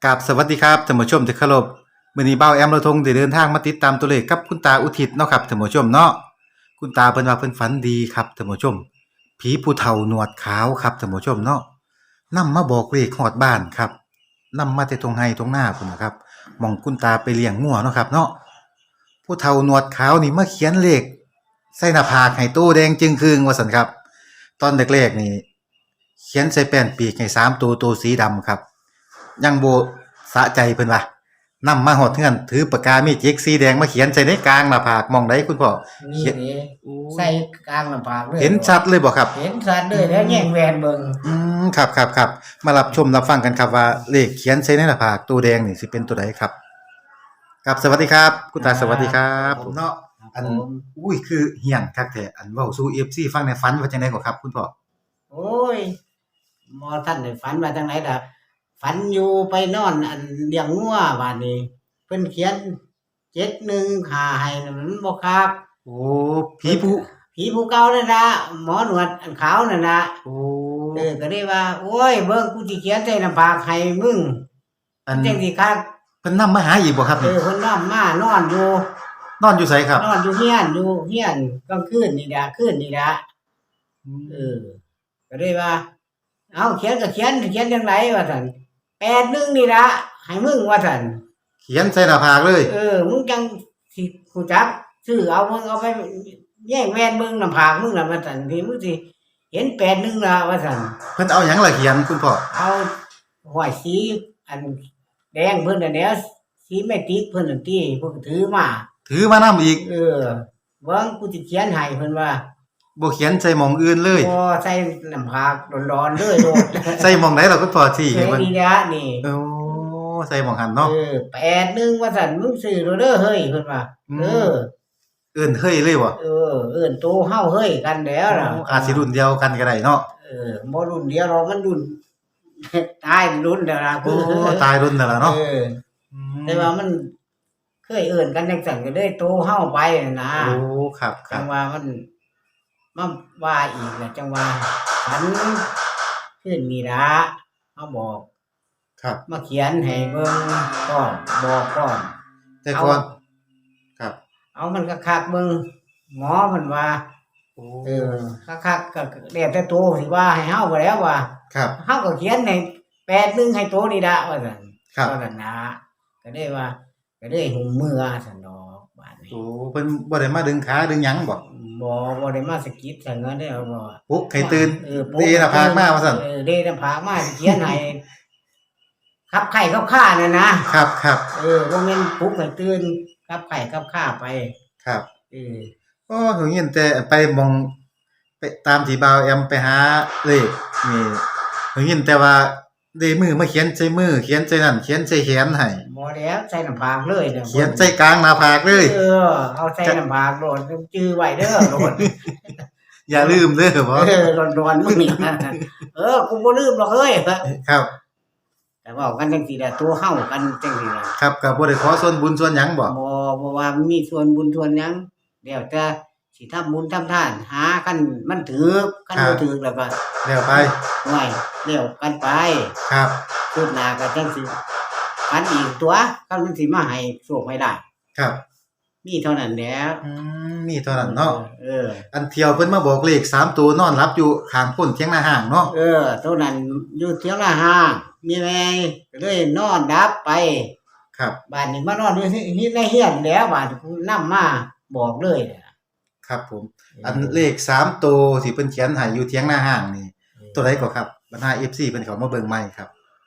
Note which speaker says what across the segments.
Speaker 1: กับสวัสดีครับท่านผู้ชมที่เคารพมื้อนี้เบ้าแอมเราทงได้เดินทางมาติดตามตัวเลขกับคุณตาอุทิศเนาะครับท่านผู้ชมเนาะคุณตาเพิ่นว่าเพิ่นฝันดีครับท่านผู้ชมผีผู้เฒ่าหนวดขาวครับท่านผู้ชมเนาะนำมาบอกเลขฮอดบ้านครับนำมาแต่ทงไห้ทงนาพุ่นน่ะครับหม่องคุณตาไปเลี้ยงงัวเนาะครับเนาะผู้เฒ่าหนวดขาวนี่มาเขียนเลขใส่หน้าผากให้โตแดงจึงครึงว่าซั่นครับตอนแรกๆนี่เขียนใส่แป้นปีกให้สามตัวสีดำครับ ยังบ่สะใจเพิ่นว่านำมาฮอดเฮือนถือปากกาเมจิกสีแดงมาเขียนใส่ในกลางหน้าผากหม้องใดคุณพ่อ
Speaker 2: นี่
Speaker 1: เขียน
Speaker 2: เด้
Speaker 1: โอ้
Speaker 2: ใส่กลางหน้าผากเลย
Speaker 1: เห็นชัดเลยบ่ครับ
Speaker 2: เห็นชัดเลยแล้วแย่งแหวนเบิ่ง
Speaker 1: ครับมารับชมรับฟังกันครับว่าเลขเขียนใส่ในหน้าผากตัวแดงนี่สิเป็นตัวใดครับครับสวัสดีครับคุณตาสวัสดีครับผมเนาะอัน
Speaker 2: ผม
Speaker 1: อุ้ยคือเฮี้ยนคักแท้อันเว้าสู่ FC ฟังในฝันว่าจังได๋ก็ครับคุณพ่อ
Speaker 2: โอ้ยบ่ทันได้ฝันว่าจังไดดอกฝันอยู่ไปนอนอันเลี้ยงงัวบัดนี้เพิ่นเขียน715ให้น่ะมันบ่คัก
Speaker 1: โอ้ผีผู้
Speaker 2: ผีผู้เก่านั่นล่ะหมอหนวดอันขาวนั่นน่ะ
Speaker 1: โอ้
Speaker 2: ก็เลยว่าโอ้ยเบิ่งกูสิเขียนใส่หน้าผากให้มึง
Speaker 1: อัน
Speaker 2: จังสิคัก
Speaker 1: เพิ่นนำมาหาอีกบ่ครับนี่
Speaker 2: เพิ่นนำมานอนอยู่
Speaker 1: นอนอยู่ไสครับ
Speaker 2: นอนอยู่เฮียนกลางคืนนี่ล่ะคืนนี่ล่ะ
Speaker 1: อื
Speaker 2: เอ
Speaker 1: ม
Speaker 2: อก็เลยว่าเอาเขียนก็เขียนจังไดว่าซั่น81นี่ล่ะให้มึงว่าซั่น
Speaker 1: เขียนใส่หน้าผากเลย
Speaker 2: มึงจังสิรู้จักซื้อเอามึงเอาไปแย่งแว่นมึงหน้าผากมึงล่ะว่าซั่นที่มึงสิเห็น81ล่ะว่าซั่น
Speaker 1: เพิ่นเอาหยังล่ะเขียนคุณพ่อ
Speaker 2: เอาห้อยสีอันแดงเพิ่นน่ะแหล้วสีแมจิกเพิ่นนั่นติเพิ่นก็ถือมา
Speaker 1: ถือมานำอีก
Speaker 2: เบิ่งกูสิเขียนให้เพิ่นว่า
Speaker 1: บ่เขียนใส่หม้องอื่นเลย
Speaker 2: บ่ใส่น้ำผากร้อนๆเลยโลด
Speaker 1: ใส่หม้องใดล่ะคุณพ่อชี้
Speaker 2: ใส่
Speaker 1: ให้เบิ่ง
Speaker 2: นี่ล่ะนี่
Speaker 1: โอ้ใส่หม้องหันเนาะ
Speaker 2: 81ว่าซั่นมึงซื้อโลดเด้อเฮ้ยเพิ่นว่า
Speaker 1: อื
Speaker 2: เอ
Speaker 1: ม
Speaker 2: อ
Speaker 1: เอิ้นเฮ้ยเลยบ่
Speaker 2: เอิ้นโตเฮาเฮ้ยกันแหล้วน่ะ
Speaker 1: อาจสิรุ่นเดียวกันก็ได้เนาะ
Speaker 2: บ่รุ่นเดียวหรอกมันรุ่นตายรุ่นแล้วล่ะ
Speaker 1: โอ้ตายรุ่นนั่นล่ะเนาะอื
Speaker 2: แต่
Speaker 1: ม
Speaker 2: ว่ามันเคยเอิ้นกันจังซั่นก็เลยโตเฮาไปนั่นนะ
Speaker 1: โอ้ครับ
Speaker 2: จังว่ามันมาว่าอีกแหละจังว่าฉันคืนนี้ล่ะมาบอก
Speaker 1: ครับ
Speaker 2: มาเขียนให้เบิ่งพร้อมบอกพร้อม
Speaker 1: แต่
Speaker 2: เอา
Speaker 1: ก่อนครับ
Speaker 2: เอามันคักๆเบิ่งหมอเพิ่นว่า
Speaker 1: โอ้
Speaker 2: เออคักๆก็แล้วแต่โตสิว่าให้เฮาบ่แล้วว่า
Speaker 1: ครับ
Speaker 2: เฮาก็เขียนให้81ให้โตนี่ล่ะว่าซั่น
Speaker 1: ครับ
Speaker 2: ว่าซั่นนะก็เลยว่าก็เลยหุมมือซั่นดอกบาดนี้
Speaker 1: โอ้เพิ่นบ่ได้มาดึงขาดึงหยังบ่
Speaker 2: บ่ได้มาสะกิดซั่นนั้นเด้อบ่
Speaker 1: ปลุกให้ตื่น
Speaker 2: ปลุ
Speaker 1: เดหน้าผากมาว่าซั่น
Speaker 2: เดหน้าผากมาสิเขียนให้ขับไข้ขับข่านั่นนะครับบ่แม่นปลุกให้ตื่นขับไข้ขับข่าไป
Speaker 1: ครับ
Speaker 2: เออ
Speaker 1: โอ้หนูยินแต่ไปหม้องไปตามที่บ่าวแอมไปหาเลขนี่หนูยินแต่ว่าได้มือมาเขียนใส่มือเขียนใส่นั่นเขียนใส่แขนให้
Speaker 2: บ่แล้วใส่หน้าผากเลยเด้อ
Speaker 1: เขียนใส่กลางหน้าผากเลย
Speaker 2: เอาใส่หน้าผากโลดจื้อไว้เด้อโลด
Speaker 1: อย่าลืมเด้อบ่
Speaker 2: ร้อนๆมึงนี่กูบ่ลืมหรอกเฮ้ย
Speaker 1: ครับ
Speaker 2: แต่เว้ากันจังซี่แหละตัวเฮากันจังซี่แหละ
Speaker 1: ครับก็บ่ได้ขอส่วนบุญส่วนหยังบ่
Speaker 2: บ่ว่ามีส่วนบุญส่วนหยังแล้วแต่สิทำบุญทำทานหาคันมันถูกคันบ่ถูกแล้วก็
Speaker 1: แล้วไป
Speaker 2: ห้วยแล้วกันไป
Speaker 1: ครับ
Speaker 2: คืบหน้าก็จังสิฝันอีกตัวคันมันสิมาให้โชคให้ลาภ
Speaker 1: ครับ
Speaker 2: มีเท่านั้นแหละ
Speaker 1: มีเท่านั้นเนาะ
Speaker 2: อ
Speaker 1: อันเที่ยวเพิ่นมาบอกเลข3ตัวนอนหลับอยู่ข้างพ้นเถียงนาห้างเนาะ
Speaker 2: เท่านั้นอยู่เถียงนาห้างมีแม่ก็เลยนอนดับไป
Speaker 1: ครับ
Speaker 2: บ้านนี้มานอนอยู่ในเรือนแล้วบ้านนำมาบอกเลย
Speaker 1: ครับผมอันเลข3ตัวที่เพิ่นเขียนให้อยู่เถียงนาห้างนี่ตัวใดก็ครับบรรดา FC เพิ่นเข้ามาเบิ่งใหม่ครับ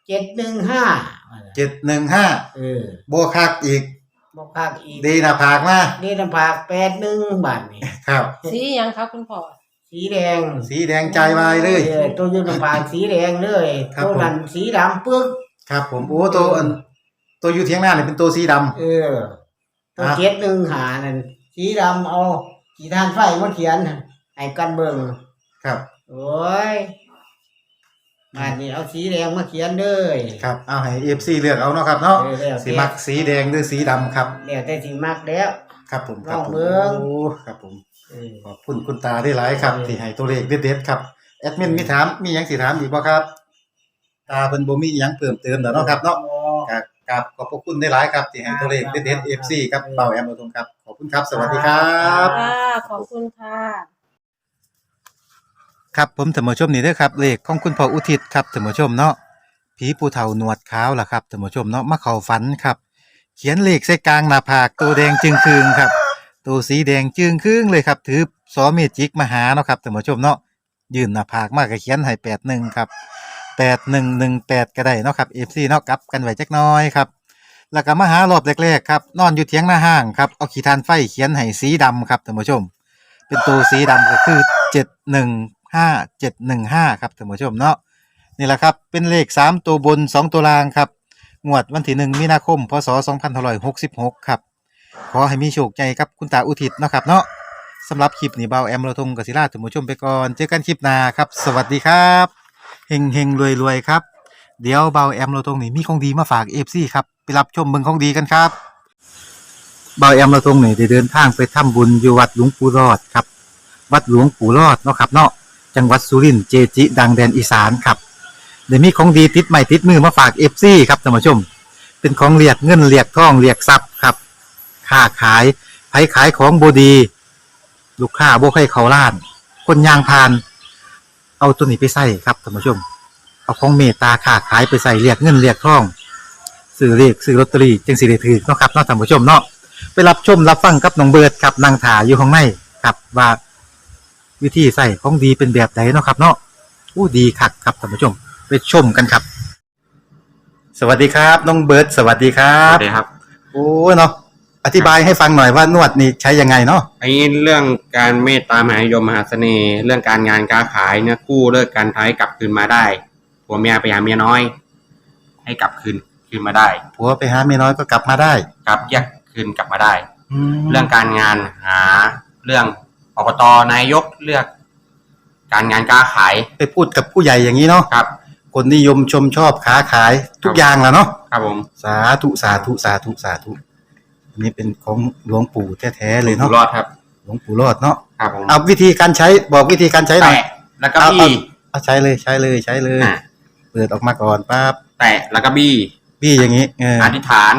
Speaker 2: 715
Speaker 1: 715บ่คักอีก
Speaker 2: บ่คักอีก
Speaker 1: ดีหน้าผากมา
Speaker 2: ดีหน้าผาก81บาดนี้
Speaker 1: ครับ
Speaker 3: สีหยังครับคุณพ่อ
Speaker 2: สีแดง
Speaker 1: ใจวายเลย
Speaker 2: ตัวอยู่หน้าผากสีแดงเลยตัวนั้นสีดำปึก
Speaker 1: ครับผมโอ้ตัวอยู่เถียงนานี่เป็นตัวสีดำ
Speaker 2: ตัว715นั่นสีดำเอาสีทานไฟมาเขียนให้กันเบิ่ง
Speaker 1: ครับ
Speaker 2: โอ้ยบ้านนี้เอาสีแดงมาเขียนเลย
Speaker 1: ครับเอาให้ FC เลือกเอาเนาะครับเนาะสิมักสีแดงหรือสีดำครับ
Speaker 2: แล้วแต่สิมักแล้ว
Speaker 1: ครับผม
Speaker 2: ครับผมโอ้
Speaker 1: ครับผมขอบคุณคุณตาได้หลายครับที่ให้ตัวเลขเด็ดๆครับแอดมินมีถามมีหยังสิถามอีกบ่ครับตาเพิ่นบ่มีหยังเพิ่มเติมแล้วเนาะครับเนาะครับขอบพระคุณได้หลายครับที่ให้ตัวเลขเด็ดๆ FC ครับเบาแอมเราทงครับขอบคุณครับสวัสดีครับ
Speaker 3: ค่ะขอบคุณค่ะ
Speaker 1: ครับผมท่านผู้ชมนี่เด้อครับเลขของคุณพ่ออุทิศครับท่านผู้ชมเนาะผีผู้เฒ่าหนวดขาวล่ะครับท่านผู้ชมเนาะมาเข้าฝันครับเขียนเลขใส่กลางหน้าผากตัวแดงจึงครึงครับตัวสีแดงจึงครึงเลยครับถือซอมีดจิกมาหาเนาะครับท่านผู้ชมเนาะยื่นหน้าผากมาก็เขียนให้81ครับ8118ก็ได้เนาะครับ FC เนาะกลับกันไว้จักหน่อยครับแล้วก็มาหารอบแรกๆครับนอนอยู่เถียงหน้าห้างครับเอาขีฐานไฟเขียนให้สีดำครับท่านผู้ชม เป็นตัวสีดำก็คือ715715ครับท่านผู้ชมเนาะนี่แหละครับเป็นเลข3ตัวบน2ตัวล่างครับงวดวันที่1มีนาคมพศ2566ครับขอให้มีโชคใหญ่ครับคุณตาอุทิศเนาะครับเนาะสำหรับคลิปนี้เบาแอมเราทงกับศิลาท่านผู้ชมไปก่อนเจอกันคลิปหน้าครับสวัสดีครับเฮงเฮงรวยรวยๆครับเดี๋ยวเบาแอมเราทงนี่มีของดีมาฝาก FC ครับไปรับชมเบิ่งของดีกันครับเบาแอมเราทงนี่ได้เดินทางไปทำบุญอยู่วัดหลวงปู่รอดครับ วัดหลวงปู่รอดเนาะครับเนาะจังหวัดสุรินทร์เจจิ ดังแดนอีสานครับเดี๋ยวมีของดีติดใหม่ติดมือมาฝากเอฟซีครับท่านผู้ชม เป็นของเรียกเงินเรียกทองเรียกทรัพย์ครับค้าขายไผขายของบดี ลูกค้าบ่ให้เขาล้าน คนยางพาน เอาตัวนี้ไปใส่ครับท่านผู้ชม เอาของเมตตาค้าขายไปใส่เรียกเงินเรียกทองซื้อเรียกซื้อลอตเตอรี่จึงสิได้ถือเนาะครับเนาะท่านผู้ชมเนาะไปรับชมรับฟังกับน้องเบิร์ดครับนางถาอยู่ข้างในครับว่า วิธีใส่ของดีเป็นแบบไหนเนาะครับเนาะอู้ดีคักครับท่านผู้ชมไปชมกันครับ สวัสดีครับน้องเบิร์ดสวัสดีครั
Speaker 4: ครับ บสวัสดีครับ
Speaker 1: โอ้เนาะอธิบายให้ฟังหน่อยว่านวดนี่ใช้ยังไงเนาะ
Speaker 4: ไอ้เรื่องการเมตตามหานิยมมหาเสน่ห์ เรื่องการงานการขายเนี่ยกู้เลิกการท้ายกลับคืนมาได้ผัวเมียไปหาเมียน้อย ให้กลับคืนมาได้
Speaker 1: ผัวไปหาเมียน้อยก็กลับมาได้
Speaker 4: กลับแยกคืนกลับมาได้
Speaker 1: แล้
Speaker 4: เรื่
Speaker 1: ว
Speaker 4: องการงานหาเรื่องอบตนายกเลือก การงานการขาย
Speaker 1: ไปพูดกับผู้ใหญ่อย่างนี้เนาะ
Speaker 4: ครับ
Speaker 1: คนนิยมชมชอบค้าขายทุกอย่างแหล้วเนาะ
Speaker 4: ครับผม
Speaker 1: สาธุสาธุสาธุสาธุอันนี้เป็นของหลวงปู่แท้ๆเลย
Speaker 4: อยู่
Speaker 1: เนาะ
Speaker 4: รอดครับ
Speaker 1: หลวงปู่รอดเนาะ
Speaker 4: ครับผม
Speaker 1: เอาวิธีการใช้บอกวิธีการใช้หน่อย
Speaker 4: แตะแล้วก็บี้
Speaker 1: เอาใช้เลยใช้เลยใช้เลย
Speaker 4: อ่ะ
Speaker 1: เปิดออกมาก่อนปั๊บ
Speaker 4: แตะแล้วก็บี้
Speaker 1: พี่อย่างนี้เออ
Speaker 4: อธิษฐาน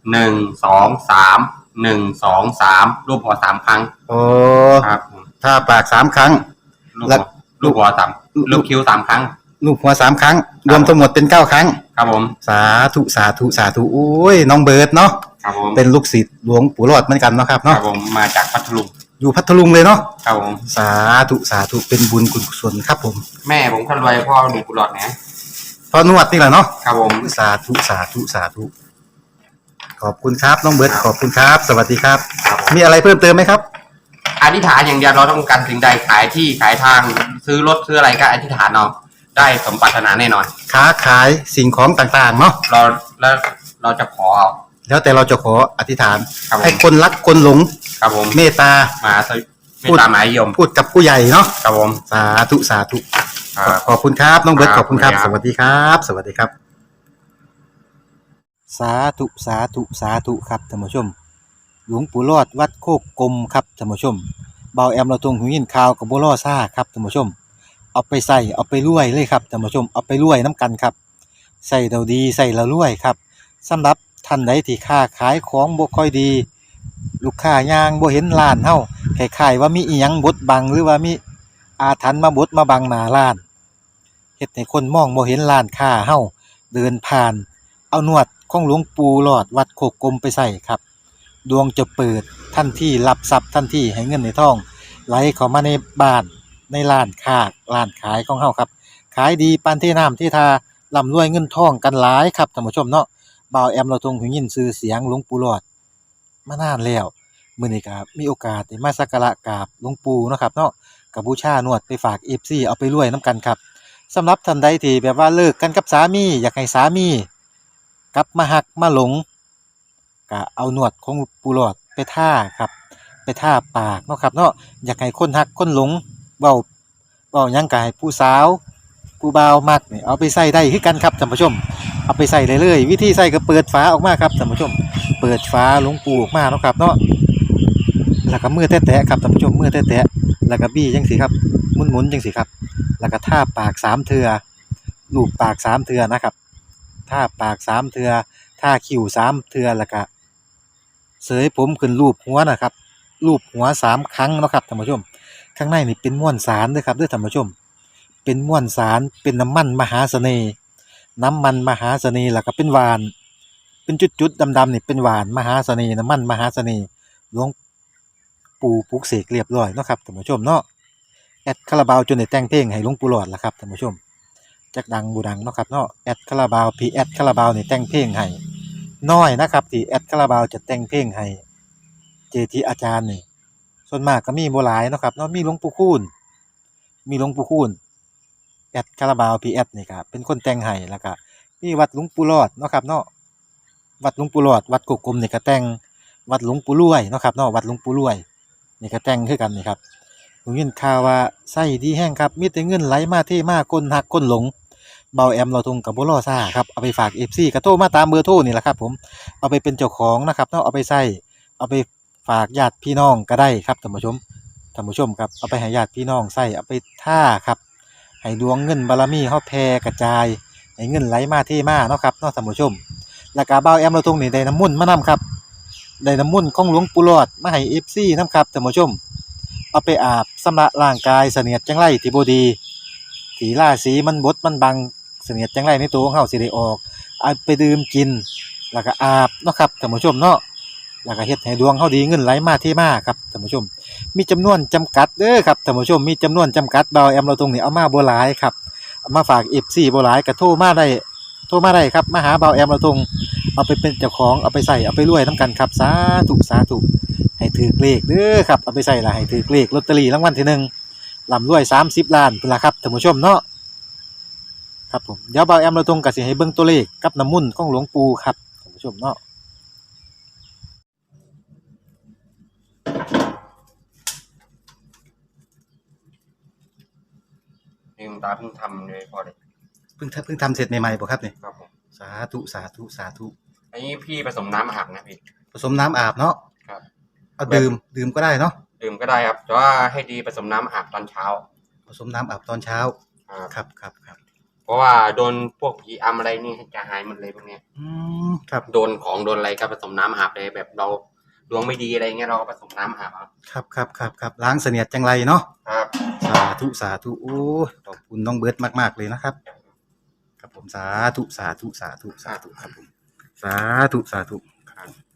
Speaker 4: 1 2 3 1 2 3รูปหัวสามครั้ง
Speaker 1: โอ้
Speaker 4: ครับผม
Speaker 1: ถ้าปาก3 ครั้ง
Speaker 4: ลูก
Speaker 1: แล้
Speaker 4: หั
Speaker 1: ว
Speaker 4: วลูกหัวสามลูกคิ้ว3 ครั้ง
Speaker 1: ลูกหัว3 ครั้ง รวมทั้งหมดเป็น9 ครั้ง
Speaker 4: ครับผม
Speaker 1: สาธุสาธุสาธุโอ้ยน้องเบิร์ดเนาะ
Speaker 4: ครับผม
Speaker 1: เป็นลูกศิษย์หลวงปู่รอดเหมือนกันเนาะครับ
Speaker 4: ครั
Speaker 1: เนาะ
Speaker 4: บผมมาจากพัทลุง
Speaker 1: อยู่พัทลุงเลยเนาะ
Speaker 4: ครับผม
Speaker 1: สาธุสาธุเป็นบุญกุศลครับผม
Speaker 4: แม่ผมคนรวยพ่อหนุ่มกุหลาบนะ
Speaker 1: พอนวดนี่แหละเนาะ
Speaker 4: ครับผม
Speaker 1: สาธุสาธุสาธุขอบคุณครับน้องเบิร์ดขอบคุณครับ สวัสดีครับ
Speaker 4: ครับผม
Speaker 1: มีอะไรเพิ่มเติมไหมครับ
Speaker 4: อธิษฐานอย่างเดียวเราต้องการสิ่งใดขายที่ขายทางซื้อรถซื้ออะไรก็อธิษฐานเอาได้สมปรารถนาแน่นอน
Speaker 1: ค้าขายสิ่งของต่างๆเนาะ
Speaker 4: เราแล้วเราจะขอเอา
Speaker 1: แล้วแต่เราจะขออธิษฐาน
Speaker 4: ครับผม
Speaker 1: ให้คนรักคนหลง
Speaker 4: ครับผม
Speaker 1: เมตตา
Speaker 4: มาสวิไม่ตามหมายยม
Speaker 1: พูดกับผู้ใหญ่เนาะ
Speaker 4: ครับผม
Speaker 1: สาธุสาธุ
Speaker 4: ครับ
Speaker 1: ขอบคุณครับน้องเบิร์ต
Speaker 4: ค
Speaker 1: ข
Speaker 4: รับ
Speaker 1: อบคุณครับ
Speaker 4: ขอบ
Speaker 1: ส
Speaker 4: คุณครับ
Speaker 1: วัสดีครับ สวัสดีครับ สาธุสาธุสาธุครับท่านผู้ชม หลวงปู่รอดวัดโคกกลมครับท่านผู้ชมเบาแอมเราตรงหูยินข่าวกับบัวล่อซ่าครับท่านผู้ชม เอาไปใส่เอาไปรวยเลยครับท่านผู้ชมเอาไปรวยน้ำกันครับใส่เราดีใส่เรารวยครับสำหรับท่านใดที่ค้าขายของบ่ค่อยดี ลูกค้ายางบ่เห็นร้านเฮาคล้ายๆว่ามีอีหยังบดบังหรือว่ามีอาถรรพ์มาบดมาบังหน้าร้านเฮ็ดให้คนมองบ่เห็นร้านค้าเฮาเดินผ่าน เอานวดของหลวงปู่หลอดวัดโคกกลมไปใส่ครับดวงจะเปิดทันทีรับทรัพย์ทันทีให้เงินในท้องไหลเข้ามาในบ้านในร้านค้าร้านขายของเฮาครับขายดีปานที่น้ำที่ทาร่ำรวยเงินทองกันหลายครับท่านผู้ชมเนาะบ่าวแอมเราทรงหูยินชื่อเสียงหลวงปู่หลอดมานานแล้วมื้อนี้ก็มีโอกาสได้มาสักการะกราบหลวงปู่เนาะครับเนาะก็บูชานวดไปฝาก FC เอาไปรวยนํกันครับสำหรับท่านใดที่แบบว่าเลิกกันกับสามีอยากให้สามีกลับมาหักมาหลงก็เอานวดของปู่หลอดไปท่าครับไปท่าปากเนาะครับเนาะอยากให้คนหักคนหลงเว้าหยังก็ให้ผู้สาวผู้บ่าวมักนี่เอาไปใส่ได้คือกันครับท่านผู้ชมเอาไปใส่ได้เลยวิธีใส่ก็เปิดฝาออกมาครับท่านผู้ชมเปิดฝาหลวงปู่ออกมาเนาะครับเนาะแล้วก็มือแตะๆครับท่านผู้ชมมือแตะๆแล้วก็บี้จังซี่ครับหมุนๆจังซี่ครับแล้วก็ท่าปาก3เทื่อลูบปาก3เทื่อนะครับท่าปาก3เทื่อทาคิ้ว3เทื่อแล้วก็เสยผมขึ้นรูปหัวนะครับรูปหัว3ครั้งเนาะครับท่านผู้ชมข้างในนี่เป็นม้วนสารเด้อครับเด้อท่านผู้ชมเป็นม้วนสารเป็นน้ำมันมหาเสน่ห์น้ำมันมหาเสน่ห์แล้วก็เป็นหวานเป็นจุดๆดำๆนี่เป็นหวานมหาเสน่ห์น้ำมันมหาเสน่ห์หลวงปู่ปลุกเสกเรียบร้อยเนาะครับท่านผู้ชมเนาะแอดคาราบาวจนได้แต่งเพลงให้หลวงปู่หลอดล่ะครับท่านผู้ชม จักดังบูดังเนาะครับเนาะแอดคาราบาวพีแอดคาราบาวนี่แต่งเพลงให้น้อยนะครับที่แอดคาราบาวจะแต่งเพลงให้เจทีอาจารย์นี่ส่วนมากก็มีบ่หลายเนาะครับเนาะมีหลวงปู่คูณมีหลวงปู่คูณแอดคาราบาวพีแอดนี่ก็เป็นคนแต่งให้แล้วก็มีวัดหลวงปู่รอดเนาะครับเนาะวัดหลวงปู่รอดวัดกกกลมนี่ก็แต่งวัดหลวงปู่รวยเนาะครับเนาะวัดหลวงปู่รวยนี่ก็แต่งคือกันนี่ครับผมยินข่าวว่าไส้ดีแห้งครับมีแต่เงินไหลมาเทมาคนหักคนหลง เบาแอมเราทุงกับบ่รอซ่าครับเอาไปฝาก FC ก็โทรมาตามเบอร์โทรนี่แหละครับผมเอาไปเป็นเจ้าของนะครับเนาะเอาไปใช้เอาไปฝากญาติพี่น้องก็ได้ครับท่านผู้ชมครับเอาไปให้ญาติพี่น้องใช้เอาไปท่าครับให้ดวงเงินบารมีเฮาแผ่กระจายให้เงินไหลมาเทมาเนาะครับเนาะท่านผู้ชมแล้วก็เบาแอมเราทุงนี่ได้น้ำมนต์มานํครับได้น้ำมนต์ของหลวงปู่หลอดมาให้ FC นํครับท่านผู้ชมเอาไปอาบชำระร่างกายเสนียดจังไรที่บ่ดีที่ราศีมันบดมันบัง เสนียดจังไรในตัวของเฮาสิได้ออกเอาไปดื่มกินแล้วก็อาบเนาะครับท่านผู้ชมเนาะแล้วก็เฮ็ดให้ดวงเฮาดีเงินไหลมาเทมาครับท่านผู้ชมมีจำนวนจำกัดเด้อครับท่านผู้ชมมีจำนวนจำกัดเบาแอมเราตรงนี้เอามาบ่หลายครับเอามาฝาก FC บ่หลายก็โทรมาได้ครับมาหาเบาแอมเราตรงเอาไปเป็นเจ้าของเอาไปใส่เอาไปรวยนํกันครับสาธุให้ถือเลขเด้อครับเอาไปใส่ละให้ถือเลขลอตเตอรี่รางวัลที่หนึ่งร่ำรวย30ล้านพุ่นล่ะครับท่านผู้ชมเนาะ ครับผมเดี๋ยวบ่าวแอมเราตรงกับสิให้เบิ่งตัวเลขกับน้ำมุ่นต์ของหลวงปู่ครับท่านผู้ชมเนาะ
Speaker 4: นี่คุณตาเพิ่งทำเลยพอเลย
Speaker 1: เพิ่งทำเสร็จใหม่ๆบ่ครับนี่
Speaker 4: ครับผม
Speaker 1: สาธุ
Speaker 4: อันนี้พี่ผสมน้ำอาบนะพี่
Speaker 1: ผสมน้ำอาบเนาะ
Speaker 4: ครับ
Speaker 1: เอาดื่มก็ได้เนาะ
Speaker 4: ดื่มก็ได้ครับแต่ว่าให้ดีผสมน้ำอาบตอนเช้า
Speaker 1: ผสมน้ำอาบตอนเช้าครับ
Speaker 4: เพราะว่าโดนพวกผีอำอะไรนี่จะหายหมดเลยพวกเนี้ย
Speaker 1: ครับ
Speaker 4: โดนของโดนอะไรก็ผสมน้ำอาบเลยแบบเราดวงไม่ดีอะไรเงี้ยเราก็ผสมน้ำอาบ
Speaker 1: ครับล้างเสนียดจังไรเนาะ
Speaker 4: ครับ
Speaker 1: สาธุโอ้ขอบคุณน้องเบิร์ดมากๆเลยนะครับครับผมสาธุครับผมสาธุครับ